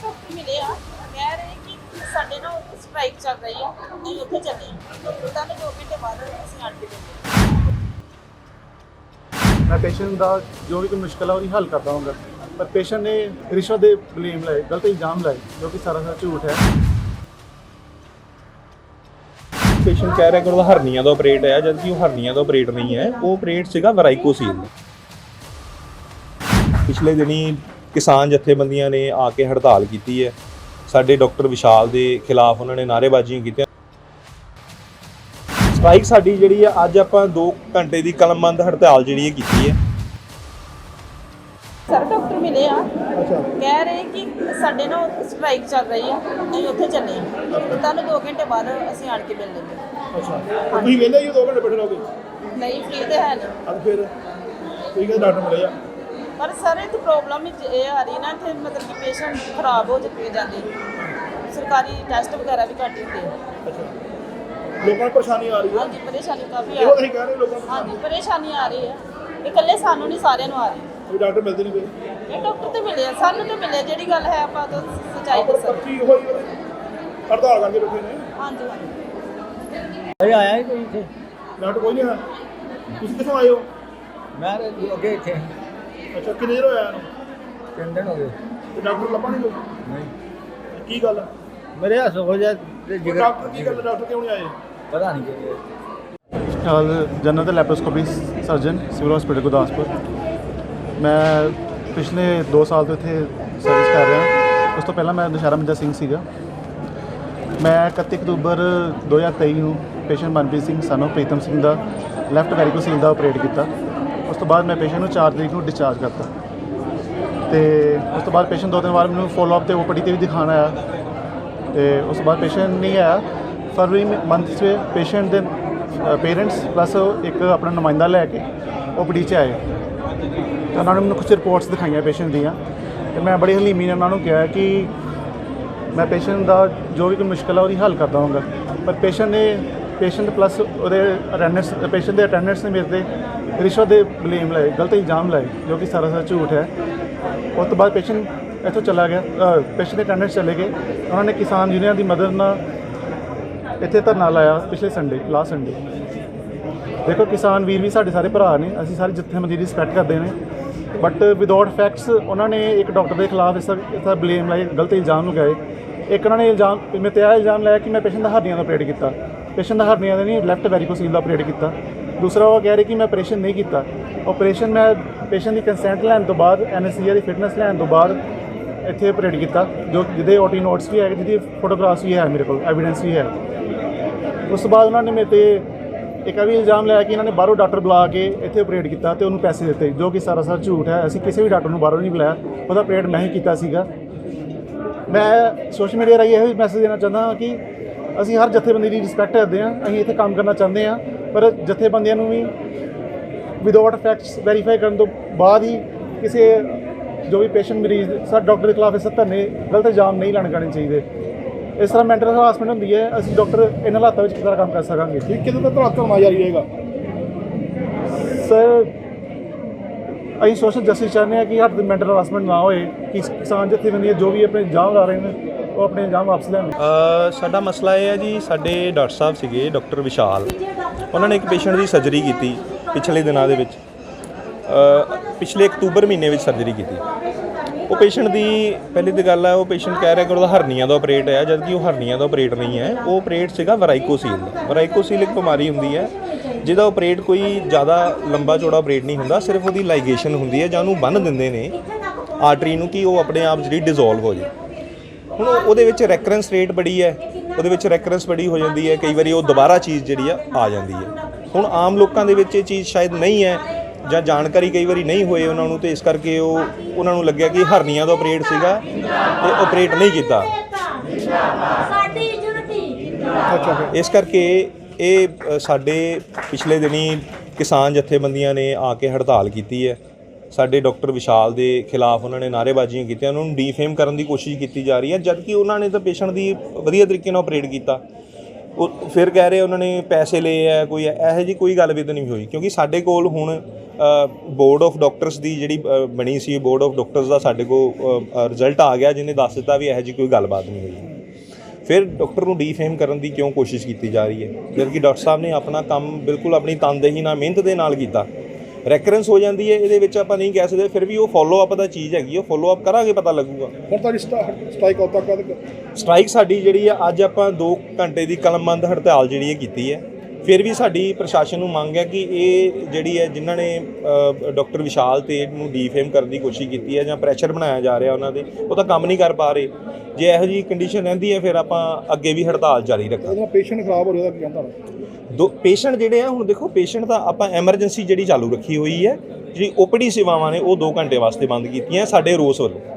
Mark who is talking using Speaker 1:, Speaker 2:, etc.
Speaker 1: Doctor ਮਿਲੇ ਆ ਕਹਿ ਰਹੇ ਕਿ ਸਾਡੇ ਨਾਲ ਸਟ੍ਰਾਈਕ ਚੱਲ ਰਹੀ ਆ ਅਸੀਂ ਉੱਥੇ ਚੱਲੇ ਆ ਤਾਂ 2 ਘੰਟੇ ਬਾਅਦ ਅਸੀਂ ਆਣ ਕੇ ਮਿਲੇ।
Speaker 2: मैं पेशेंट का जो भी कोई मुश्किल है वो हल करता हूँ पर पेशेंट ने रिश्वत के ब्लेम लाए गलत इल्जाम लाए जो कि सारा झूठ है।
Speaker 3: ਪੇਸ਼ੈਂਟ ਕਹਿ ਰਿਹਾ ਕਿ ਉਹਦਾ ਹਰਨੀਆਂ ਦਾ ਆਪਰੇਟ ਹੈ ਜਦਕਿ ਉਹ ਹਰਨੀਆਂ ਦਾ ਆਪਰੇਟ ਨਹੀਂ ਹੈ, ਉਹ ਆਪਰੇਟ ਸੀਗਾ ਵਰਾਈਕੋਸੀਲ। ਪਿਛਲੇ ਦਿਨੀ ਕਿਸਾਨ ਜਥੇਬੰਦੀਆਂ ਨੇ ਆ ਕੇ ਹੜਤਾਲ ਕੀਤੀ ਹੈ। ਸਾਡੇ ਡਾਕਟਰ ਵਿਸ਼ਾਲ ਦੇ ਖਿਲਾਫ ਉਹਨਾਂ ਨੇ ਨਾਅਰੇਬਾਜ਼ੀਆਂ ਕੀਤੀਆਂ। ਸਟ੍ਰਾਈਕ ਸਾਡੀ ਜਿਹੜੀ ਹੈ ਅੱਜ ਆਪਾਂ 2 ਘੰਟੇ ਦੀ ਕਲਮਬੰਦ ਹੜਤਾਲ ਜਿਹੜੀ ਹੈ ਕੀਤੀ ਹੈ।
Speaker 1: ਸਰ ਡਾਕਟਰ ਮਿਲੇ ਆ ਕਹਿ ਰਹੇ ਕਿ ਸਾਡੇ ਨਾਲ ਸਟ੍ਰਾਈਕ ਚੱਲ ਰਹੀ ਆ ਅਸੀਂ ਉੱਥੇ ਚੱਲੇ ਆ ਤਾਂ 2 ਘੰਟੇ ਬਾਅਦ ਅਸੀਂ ਆਣ ਕੇ ਮਿਲ ਲੈਂਦੇ।
Speaker 2: अच्छा ਤੁਸੀਂ ਕਹਿੰਦੇ ਜੀ 2 ਘੰਟੇ ਬੈਠੇ ਰਹੋਗੇ?
Speaker 1: ਨਹੀਂ ਫ੍ਰੀ ਤੇ ਹੈ ਨਹੀਂ।
Speaker 2: ਅੱਜ ਫਿਰ ਠੀਕ ਹੈ ਡਾਕਟਰ ਮਿਲੇ ਆ
Speaker 1: ਪਰ ਸਰ ਇਹ ਪ੍ਰੋਬਲਮ ਇਹ ਆ ਰਹੀ ਨਾ ਇੱਥੇ ਮਤਲਬ ਕਿ ਪੇਸ਼ੈਂਟ ਖਰਾਬ ਹੋ ਜਾਂਦੇ ਸਰਕਾਰੀ ਟੈਸਟ ਵਗੈਰਾ ਵੀ ਘੱਟ ਹੁੰਦੇ ਆ।
Speaker 2: ਅੱਛਾ ਲੋਕਾਂ ਨੂੰ ਪਰੇਸ਼ਾਨੀ ਆ ਰਹੀ ਹੈ।
Speaker 1: ਹਾਂਜੀ ਪਰੇਸ਼ਾਨੀ ਕਾਫੀ ਆ
Speaker 2: ਇਹੋ ਤੁਸੀਂ ਕਹਿ ਰਹੇ ਲੋਕਾਂ ਨੂੰ
Speaker 1: ਹਾਂਜੀ ਪਰੇਸ਼ਾਨੀ ਆ ਰਹੀ ਆ ਇਕੱਲੇ ਸਾਨੂੰ ਨਹੀਂ ਸਾਰਿਆਂ ਨੂੰ ਆ ਰਹੀ।
Speaker 2: ਕੋਈ ਡਾਕਟਰ ਮਿਲਦੇ ਨਹੀਂ ਪਏ।
Speaker 1: ਇਹ ਡਾਕਟਰ ਤੇ ਮਿਲੇ ਆ ਸਾਨੂੰ ਤੇ ਮਿਲੇ ਜਿਹੜੀ ਗੱਲ ਹੈ ਆਪਾਂ ਤਾਂ ਸੱਚਾਈ ਦੱਸਾਂ।
Speaker 2: ਪਰਚੀ ਹੋਈ ਹੜਤਾਲ ਕਰਕੇ ਬੈਠੇ ਨੇ।
Speaker 1: ਹਾਂਜੀ ਹਾਂਜੀ
Speaker 4: ਅਰੇ ਆਇਆ ਹੀ ਕੋਈ ਇੱਥੇ।
Speaker 2: ਡਾਕਟਰ ਕੋਈ ਨਹੀਂ ਹੈ। ਤੁਸੀਂ ਕਿੱਥੋਂ ਆਏ ਹੋ?
Speaker 4: ਮੈਂ ਅੱਗੇ ਇੱਥੇ
Speaker 2: ਅੱਛਾ ਕਿੰਨੇ ਦੇਰ ਹੋਇਆ ਇਹਨੂੰ?
Speaker 4: 3 ਦਿਨ ਹੋ ਗਏ।
Speaker 2: ਤੇ ਡਾਕਟਰ ਲੱਭਾ ਨਹੀਂ ਕੋਈ?
Speaker 4: ਨਹੀਂ
Speaker 2: ਕੀ ਗੱਲ ਹੈ?
Speaker 4: ਮੇਰੇ ਹੱਥ ਹੋ ਜਾ ਤੇ ਜਿਗਰ
Speaker 2: ਡਾਕਟਰ ਕੀ ਗੱਲ ਡਾਕਟਰ ਕਿਉਂ ਨਹੀਂ ਆਏ?
Speaker 4: ਪਤਾ ਨਹੀਂ ਕੀ
Speaker 2: ਜਨਰਲ ਤੇ laparoscopy surgeon civil hospital Gurdaspur. ਮੈਂ ਪਿਛਲੇ 2 ਸਾਲ ਤੋਂ ਇੱਥੇ ਸਰਵਿਸ ਕਰ ਰਿਹਾ। ਉਸ ਤੋਂ ਪਹਿਲਾਂ ਮੈਂ ਦੁਸ਼ਹਿਰਾ ਮਿੰਜਾ ਸਿੰਘ ਸੀਗਾ। ਮੈਂ 31 ਅਕਤੂਬਰ 2023 ਨੂੰ ਪੇਸ਼ੈਂਟ ਮਨਪ੍ਰੀਤ ਸਿੰਘ ਸਾਨੂੰ ਪ੍ਰੀਤਮ ਸਿੰਘ ਦਾ ਲੈਫਟ ਵੈਰੀਕੋਸੀਲ ਦਾ ਆਪਰੇਟ ਕੀਤਾ। ਉਸ ਤੋਂ ਬਾਅਦ ਮੈਂ ਪੇਸ਼ੈਂਟ ਨੂੰ 4 ਤਰੀਕ ਨੂੰ ਡਿਸਚਾਰਜ ਕਰਤਾ ਤੇ ਉਸ ਤੋਂ ਬਾਅਦ ਪੇਸ਼ੈਂਟ 2-3 ਵਾਰ ਮੈਨੂੰ ਫੋਲੋਅਪ ਤੇ ਓਪੀਡੀ ਤੇ ਵੀ ਦਿਖਾਉਣ ਆਇਆ ਤੇ ਉਸ ਤੋਂ ਬਾਅਦ ਪੇਸ਼ੈਂਟ ਨਹੀਂ ਆਇਆ। ਫਰਵਰੀ ਮੰਥ 'ਚ ਪੇਸ਼ੈਂਟ ਦੇ ਪੇਰੈਂਟਸ ਪਲੱਸ ਇੱਕ ਆਪਣਾ ਨੁਮਾਇੰਦਾ ਲੈ ਕੇ ਓਪੀਡੀ 'ਚ ਆਏ ਤੇ ਉਹਨਾਂ ਨੇ ਮੈਨੂੰ ਕੁਝ ਰਿਪੋਰਟਸ ਦਿਖਾਈਆਂ ਪੇਸ਼ੈਂਟ ਦੀਆਂ ਤੇ ਮੈਂ ਬੜੀ ਹਲੀਮੀ ਨਾਲ ਉਹਨਾਂ ਨੂੰ ਕਿਹਾ ਕਿ ਮੈਂ ਪੇਸ਼ੈਂਟ ਦਾ ਜੋ ਵੀ ਕੋਈ ਮੁਸ਼ਕਿਲ ਹੈ ਉਹਦੀ ਹੱਲ ਕਰਦਾ ਹਾਂ ਪਰ ਪੇਸ਼ੈਂਟ ਪਲੱਸ ਉਹਦੇ ਅਟੈਂਡੈਂਟਸ ਪੇਸ਼ੈਂਟ ਦੇ ਅਟੈਂਡੈਂਟਸ ਨੇ ਮੇਰੇ 'ਤੇ ਰਿਸ਼ਵਤ ਦੇ ਬਲੇਮ ਲਾਏ ਗਲਤ ਇਲਜ਼ਾਮ ਲਾਏ ਜੋ ਕਿ ਸਾਰਾ ਝੂਠ ਹੈ। ਉਸ ਤੋਂ ਬਾਅਦ ਪੇਸ਼ੈਂਟ ਇੱਥੋਂ ਚਲਾ ਗਿਆ। ਪੇਸ਼ੈਂਟ ਦੇ ਅਟੈਂਡੈਂਟਸ ਚਲੇ ਗਏ। ਉਹਨਾਂ ਨੇ ਕਿਸਾਨ ਯੂਨੀਅਨ ਦੀ ਮਦਦ ਨਾਲ ਇੱਥੇ ਧਰਨਾ ਲਾਇਆ ਪਿਛਲੇ ਸੰਡੇ ਲਾਸਟ ਸੰਡੇ। ਦੇਖੋ ਕਿਸਾਨ ਵੀਰ ਵੀ ਸਾਡੇ ਸਾਰੇ ਭਰਾ ਨੇ, ਅਸੀਂ ਸਾਰੀ ਜਥੇਬੰਦੀ ਦੀ ਰਿਸਪੈਕਟ ਕਰਦੇ ਨੇ ਬਟ ਵਿਦਆਊਟ ਫੈਕਟਸ ਉਹਨਾਂ ਨੇ ਇੱਕ ਡਾਕਟਰ ਦੇ ਖਿਲਾਫ ਇਸ ਬਲੇਮ ਲਾਏ ਗਲਤ ਇਲਜ਼ਾਮ ਲਗਾਏ। ਇੱਕ ਉਹਨਾਂ ਨੇ ਮੇਰੇ 'ਤੇ ਇਹ ਇਲਜ਼ਾਮ ਲਾਇਆ ਕਿ ਮੈਂ ਪੇਸ਼ੈਂਟ ਦਾ ਹਰਨੀਆਂ ਦਾ ਆਪਰੇਟ ਕੀਤਾ। ਪੇਸ਼ੈਂਟ ਦਾ ਹਰਨੀਆਂ ਦਾ ਨਹੀਂ ਲੈਫਟ ਵੈਰੀਕੋਸੀਲ ਦਾ ਆਪਰੇਟ ਕੀਤਾ। ਦੂਸਰਾ ਉਹ ਕਹਿ ਰਹੇ ਕਿ ਮੈਂ ਆਪਰੇਸ਼ਨ ਨਹੀਂ ਕੀਤਾ। ਆਪਰੇਸ਼ਨ ਮੈਂ ਪੇਸ਼ੈਂਟ ਦੀ ਕੰਸੈਂਟ ਲੈਣ ਤੋਂ ਬਾਅਦ ਐਨਐਸਸੀਆ ਦੀ ਫਿਟਨੈਸ ਲੈਣ ਤੋਂ ਬਾਅਦ ਇੱਥੇ ਆਪਰੇਟ ਕੀਤਾ ਜੋ ਜਿਹਦੇ ਓਟੀ ਨੋਟਸ ਵੀ ਹੈ ਜਿਹਦੀ ਫੋਟੋਗ੍ਰਾਫਸ ਵੀ ਹੈ ਮੇਰੇ ਕੋਲ ਐਵੀਡੈਂਸ ਵੀ ਹੈ। ਉਸ ਤੋਂ ਬਾਅਦ ਉਹਨਾਂ ਨੇ ਮੇਰੇ 'ਤੇ ਇੱਕ ਵੀ ਇਲਜ਼ਾਮ ਲਾਇਆ ਕਿ ਇਹਨਾਂ ਨੇ ਬਾਹਰੋਂ ਡਾਕਟਰ ਬੁਲਾ ਕੇ ਇੱਥੇ ਆਪਰੇਟ ਕੀਤਾ ਤੇ ਉਹਨੂੰ ਪੈਸੇ ਦਿੱਤੇ ਜੋ ਕਿ ਸਾਰਾ ਝੂਠ ਹੈ। ਅਸੀਂ ਕਿਸੇ ਵੀ ਡਾਕਟਰ ਨੂੰ ਬਾਹਰੋਂ ਨਹੀਂ ਬੁਲਾਇਆ, ਉਹਦਾ ਆਪਰੇਟ ਮੈਂ ਹੀ ਕੀਤਾ ਸੀਗਾ। ਮੈਂ ਸੋਸ਼ਲ ਮੀਡੀਆ ਰਾਹੀਂ ਇਹੋ ਮੈਸੇਜ ਦੇਣਾ ਚਾਹੁੰਦਾ ਹਾਂ ਕਿ ਅਸੀਂ ਹਰ ਜਥੇਬੰਦੀ ਦੀ ਰਿਸਪੈਕਟ ਕਰਦੇ ਹਾਂ। ਅਸੀਂ ਇੱਥੇ ਕੰਮ ਕਰਨਾ ਚਾਹੁੰਦੇ ਹਾਂ ਪਰ ਜਥੇਬੰਦੀਆਂ ਨੂੰ ਵੀ ਵਿਦਆਊਟ ਫੈਕਟਸ ਵੈਰੀਫਾਈ ਕਰਨ ਤੋਂ ਬਾਅਦ ਹੀ ਕਿਸੇ ਜੋ ਵੀ ਪੇਸ਼ੈਂਟ ਮਰੀਜ਼ ਸਾਡੇ ਡਾਕਟਰ ਦੇ ਖਿਲਾਫ ਇਸ ਧਰਨੇ ਗਲਤ ਇਲਜ਼ਾਮ ਨਹੀਂ ਲਾਣੇ ਚਾਹੀਦੇ। ਇਸ ਤਰ੍ਹਾਂ ਮੈਂਟਲ ਹਰਾਸਮੈਂਟ ਹੁੰਦੀ ਹੈ। ਅਸੀਂ ਡਾਕਟਰ ਇਹਨਾਂ ਹਾਲਾਤਾਂ ਵਿੱਚ ਕਿਸ ਤਰ੍ਹਾਂ ਕੰਮ ਕਰ ਸਕਾਂਗੇ? ਠੀਕ ਕਿਦੋਂ ਤੱਕ ਧਰਨਾ ਜਾਰੀ ਰਹੇਗਾ? ਸਰ ਅਸੀਂ ਸੋਸ਼ਲ ਜਸਟਿਸ ਚਾਹੁੰਦੇ ਹਾਂ ਕਿ ਸਾਡੇ ਮੈਂਟਲ ਹਰਾਸਮੈਂਟ ਨਾ ਹੋਏ ਕਿ ਕਿਸਾਨ ਜਥੇਬੰਦੀਆਂ ਜੋ ਵੀ ਆਪਣੇ ਇਲਜ਼ਾਮ ਲਾ ਰਹੇ ਨੇ ਉਹ ਆਪਣੇ ਇਲਜ਼ਾਮ ਵਾਪਸ ਲੈਣ।
Speaker 3: ਸਾਡਾ ਮਸਲਾ ਇਹ ਹੈ ਜੀ, ਸਾਡੇ ਡਾਕਟਰ ਸਾਹਿਬ ਸੀਗੇ ਡਾਕਟਰ ਵਿਸ਼ਾਲ, ਉਹਨਾਂ ਨੇ ਇੱਕ ਪੇਸ਼ੈਂਟ ਦੀ ਸਰਜਰੀ ਕੀਤੀ ਪਿਛਲੇ ਦਿਨਾਂ ਦੇ ਵਿੱਚ। ਪਿਛਲੇ ਅਕਤੂਬਰ ਮਹੀਨੇ ਵਿੱਚ ਸਰਜਰੀ ਕੀਤੀ। ਉਹ ਪੇਸ਼ੈਂਟ ਦੀ ਪਹਿਲੀ ਤਾਂ ਗੱਲ ਹੈ ਉਹ ਪੇਸ਼ੈਂਟ ਕਹਿ ਰਿਹਾ ਕਿ ਉਹਦਾ ਹਰਨੀਆਂ ਦਾ ਆਪਰੇਟ ਹੈ ਜਦਕਿ ਉਹ ਹਰਨੀਆਂ ਦਾ ਆਪਰੇਟ ਨਹੀਂ ਹੈ, ਉਹ ਆਪਰੇਟ ਸੀਗਾ ਵਰਾਈਕੋਸੀਲ ਦਾ। ਵਰਾਈਕੋਸੀਲ ਇੱਕ ਬਿਮਾਰੀ ਹੁੰਦੀ ਹੈ ਜਿਹਦਾ ਆਪਰੇਟ ਕੋਈ ਜ਼ਿਆਦਾ ਲੰਬਾ ਚੌੜਾ ਆਪਰੇਟ ਨਹੀਂ ਹੁੰਦਾ, ਸਿਰਫ ਉਹਦੀ ਲਾਈਗੇਸ਼ਨ ਹੁੰਦੀ ਹੈ ਜਾਂ ਉਹਨੂੰ ਬੰਨ੍ਹ ਦਿੰਦੇ ਨੇ ਆਰਟਰੀ ਨੂੰ ਕਿ ਉਹ ਆਪਣੇ ਆਪ ਜਿਹੜੀ ਡਿਜ਼ੋਲਵ ਹੋ ਜਾਏ। ਹੁਣ ਉਹਦੇ ਵਿੱਚ ਰੈਕਰੈਂਸ ਰੇਟ ਬੜੀ ਹੈ, ਉਹਦੇ ਵਿੱਚ ਰੈਕਰੈਂਸ ਬੜੀ ਹੋ ਜਾਂਦੀ ਹੈ, ਕਈ ਵਾਰੀ ਉਹ ਦੁਬਾਰਾ ਚੀਜ਼ ਜਿਹੜੀ ਆ ਜਾਂਦੀ ਹੈ। ਹੁਣ ਆਮ ਲੋਕਾਂ ਦੇ ਵਿੱਚ ਇਹ ਚੀਜ਼ ਸ਼ਾਇਦ ਨਹੀਂ ਹੈ ਜਾਂ ਜਾਣਕਾਰੀ ਕਈ ਵਾਰੀ ਨਹੀਂ ਹੋਏ ਉਹਨਾਂ ਨੂੰ, ਤੇ ਇਸ ਕਰਕੇ ਉਹਨਾਂ ਨੂੰ ਲੱਗਿਆ ਕਿ ਹਰਨੀਆਂ ਦਾ ਆਪਰੇਟ ਸੀਗਾ ਤੇ ਆਪਰੇਟ ਨਹੀਂ ਕੀਤਾ। ਇਸ ਕਰਕੇ ਇਹ ਸਾਡੇ ਪਿਛਲੇ ਦਿਨੀ ਕਿਸਾਨ ਜਥੇਬੰਦੀਆਂ ਨੇ ਆ ਕੇ ਹੜਤਾਲ ਕੀਤੀ ਹੈ। ਸਾਡੇ ਡਾਕਟਰ ਵਿਸ਼ਾਲ ਦੇ ਖਿਲਾਫ ਉਹਨਾਂ ਨੇ ਨਾਅਰੇਬਾਜ਼ੀਆਂ ਕੀਤੀਆਂ, ਉਹਨਾਂ ਨੂੰ ਡੀਫੇਮ ਕਰਨ ਦੀ ਕੋਸ਼ਿਸ਼ ਕੀਤੀ ਜਾ ਰਹੀ ਹੈ ਜਦਕਿ ਉਹਨਾਂ ਨੇ ਤਾਂ ਪੇਸ਼ੈਂਟ ਦੀ ਵਧੀਆ ਤਰੀਕੇ ਨਾਲ ਆਪਰੇਟ ਕੀਤਾ। ਉਹ ਫਿਰ ਕਹਿ ਰਹੇ ਉਹਨਾਂ ਨੇ ਪੈਸੇ ਲਏ ਹੈ, ਕੋਈ ਇਹੋ ਜਿਹੀ ਕੋਈ ਗੱਲ ਵੀ ਤਾਂ ਨਹੀਂ ਹੋਈ ਕਿਉਂਕਿ ਸਾਡੇ ਕੋਲ ਹੁਣ ਬੋਰਡ ਆਫ ਡਾਕਟਰਸ ਦੀ ਜਿਹੜੀ ਬਣੀ ਸੀ, ਬੋਰਡ ਆਫ ਡਾਕਟਰਸ ਦਾ ਸਾਡੇ ਕੋਲ ਰਿਜ਼ਲਟ ਆ ਗਿਆ ਜਿਹਨੇ ਦੱਸ ਦਿੱਤਾ ਵੀ ਇਹੋ ਜਿਹੀ ਕੋਈ ਗੱਲਬਾਤ ਨਹੀਂ ਹੋਈ। ਫਿਰ ਡਾਕਟਰ ਨੂੰ ਡੀਫੇਮ ਕਰਨ ਦੀ ਕਿਉਂ ਕੋਸ਼ਿਸ਼ ਕੀਤੀ ਜਾ ਰਹੀ ਹੈ, ਜਦਕਿ ਡਾਕਟਰ ਸਾਹਿਬ ਨੇ ਆਪਣਾ ਕੰਮ ਬਿਲਕੁਲ ਆਪਣੀ ਤਨਦੇਹੀ ਨਾਲ, ਮਿਹਨਤ ਦੇ ਨਾਲ ਕੀਤਾ। ਰੈਕਰੈਂਸ ਹੋ ਜਾਂਦੀ ਹੈ ਇਹਦੇ ਵਿੱਚ, ਆਪਾਂ ਨਹੀਂ ਕਹਿ ਸਕਦੇ, ਫਿਰ ਵੀ ਉਹ ਫੋਲੋ ਅਪ ਦਾ ਚੀਜ਼ ਹੈਗੀ, ਉਹ ਫੋਲੋ ਅਪ ਕਰਾਂਗੇ ਪਤਾ ਲੱਗੂਗਾ।
Speaker 5: ਹੁਣ ਤੁਹਾਡੀ ਸਟ੍ਰਾਈਕ ਉਦੋਂ ਤੱਕ
Speaker 3: ਸਟ੍ਰਾਈਕ ਸਾਡੀ ਜਿਹੜੀ ਆ, ਅੱਜ ਆਪਾਂ 2 ਘੰਟੇ ਦੀ ਕਲਮਬੰਦ ਹੜਤਾਲ ਜਿਹੜੀ ਹੈ ਕੀਤੀ ਹੈ। ਫਿਰ ਵੀ ਸਾਡੀ ਪ੍ਰਸ਼ਾਸਨ ਨੂੰ ਮੰਗ ਹੈ ਕਿ ਇਹ ਜਿਹੜੀ ਹੈ ਜਿਨ੍ਹਾਂ ਨੇ ਡਾਕਟਰ ਵਿਸ਼ਾਲ ਤੇ ਨੂੰ ਡੀਫੇਮ ਕਰਨ ਦੀ ਕੋਸ਼ਿਸ਼ ਕੀਤੀ ਹੈ ਜਾਂ ਪ੍ਰੈਸ਼ਰ ਬਣਾਇਆ ਜਾ ਰਿਹਾ ਉਹਨਾਂ ਦੇ, ਉਹ ਤਾਂ ਕੰਮ ਨਹੀਂ ਕਰ ਪਾ ਰਹੇ। ਜੇ ਇਹੋ ਜਿਹੀ ਕੰਡੀਸ਼ਨ ਰਹਿੰਦੀ ਹੈ ਫਿਰ ਆਪਾਂ ਅੱਗੇ ਵੀ ਹੜਤਾਲ ਜਾਰੀ ਰੱਖਾਂਗੇ।
Speaker 5: ਉਹਦਾ ਪੇਸ਼ੈਂਟ ਖਰਾਬ ਹੋ ਰਿਹਾ ਕੀ ਕਹਿੰਦਾ
Speaker 3: ਪੇਸ਼ੈਂਟ ਜਿਹੜੇ ਆ, ਹੁਣ ਦੇਖੋ ਪੇਸ਼ੈਂਟ ਤਾਂ ਆਪਾਂ ਐਮਰਜੈਂਸੀ ਜਿਹੜੀ ਚਾਲੂ ਰੱਖੀ ਹੋਈ ਹੈ, ਜਿਹੜੀ ਓਪੀਡੀ ਸੇਵਾਵਾਂ ਨੇ ਉਹ 2 ਘੰਟੇ ਵਾਸਤੇ ਬੰਦ ਕੀਤੀਆਂ ਸਾਡੇ ਰੋਸ ਵੱਲੋਂ।